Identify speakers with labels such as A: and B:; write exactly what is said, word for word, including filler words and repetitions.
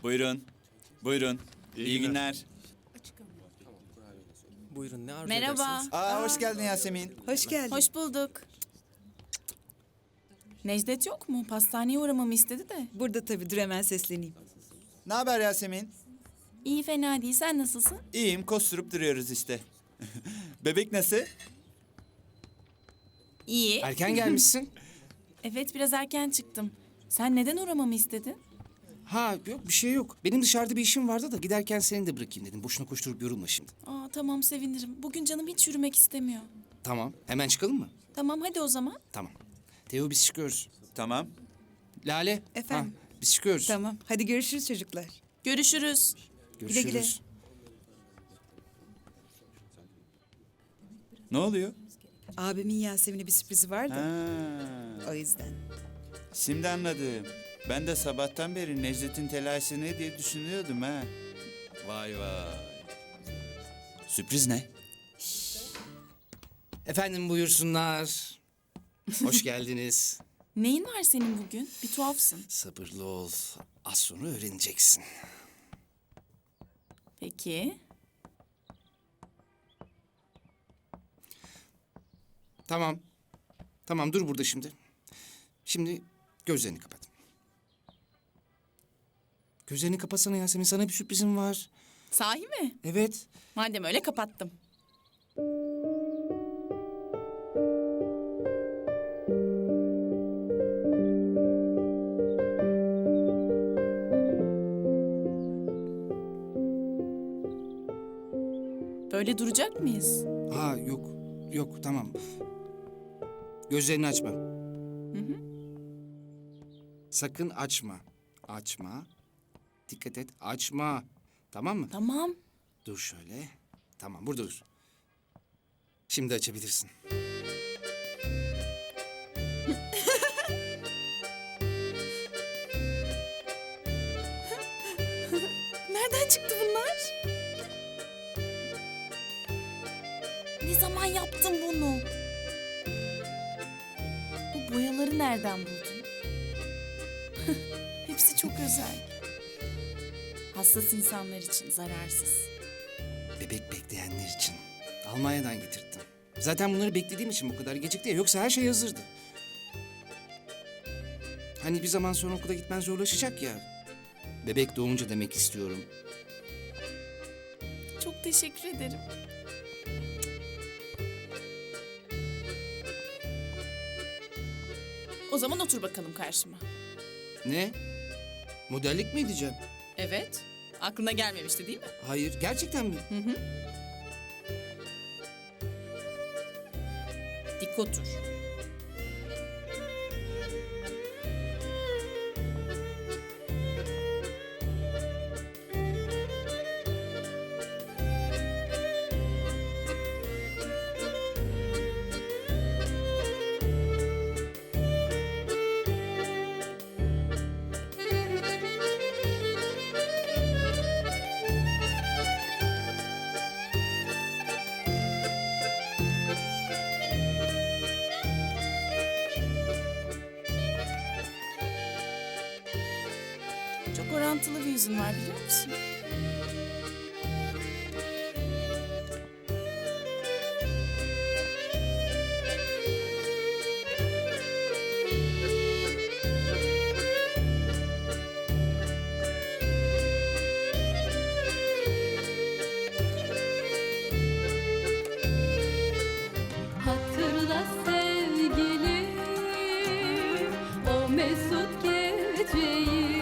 A: Buyurun. Buyurun. İyi,
B: İyi
A: günler.
C: Buyurun, ne arzu
D: Merhaba.
C: edersiniz?
A: Aa, hoş geldin Yasemin.
E: Hoş geldin.
D: Hoş bulduk. Necdet yok mu? Pastaneye uğramamı istedi de.
E: Burada tabii, dur hemen sesleneyim.
A: Ne haber Yasemin?
D: İyi fena değil. Sen nasılsın?
A: İyiyim, kosturup duruyoruz işte. Bebek nasıl?
D: İyi.
C: Erken gelmişsin.
D: Evet biraz erken çıktım. Sen neden uğramamı istedin?
C: Ha yok bir şey yok. Benim dışarıda bir işim vardı da giderken seni de bırakayım dedim. Boşuna koşturup yorulma şimdi.
D: Aa tamam sevinirim. Bugün canım hiç yürümek istemiyor.
C: Tamam. Hemen çıkalım mı?
D: Tamam hadi o zaman.
C: Tamam. Teo biz çıkıyoruz.
A: Tamam.
C: Lale.
E: Efendim?
C: Ha, biz çıkıyoruz.
E: Tamam, hadi görüşürüz çocuklar.
D: Görüşürüz.
C: Görüşürüz.
E: Güle güle.
A: Ne oluyor?
E: Abimin Yasemin'e bir sürprizi var da,
A: Ha,
E: o yüzden.
A: şimdi anladım. Ben de sabahtan beri Necdet'in telaşı ne diye düşünüyordum ha. Vay vay. Sürpriz ne?
C: Efendim buyursunlar. Hoş geldiniz.
D: Neyin var senin bugün? Bir tuhafsın.
C: Sabırlı ol. Az sonra öğreneceksin.
D: Peki.
C: Tamam. Tamam dur burada şimdi. Şimdi gözlerini kapat. Gözlerini kapatsana Yasemin. Sana bir sürprizim var.
D: Sahi mi?
C: Evet.
D: Madem öyle kapattım. Böyle duracak mıyız?
C: Ha yok. Yok tamam. Gözlerini açma. Sakın açma. Açma. Dikkat et. Açma. Tamam mı?
D: Tamam.
C: Dur şöyle. Tamam burada dur. Şimdi açabilirsin.
D: Nereden çıktı bunlar? Ne zaman yaptın bunu? Bu boyaları nereden buldun? Hepsi çok özel. Hassas insanlar için zararsız.
C: Bebek bekleyenler için. Almanya'dan getirttim. Zaten bunları beklediğim için bu kadar gecikti ya. Yoksa her şey hazırdı. Hani bir zaman sonra okula gitmen zorlaşacak ya. Bebek doğunca demek istiyorum.
D: Çok teşekkür ederim. O zaman otur bakalım karşıma.
C: Ne? Modellik mi edeceğim?
D: Evet. Aklına gelmemişti değil mi?
C: Hayır. Gerçekten mi?
D: Dik otur. Çok orantılı bir yüzün var biliyor musun?
F: Hatırla sevgilim o mesut geceyi.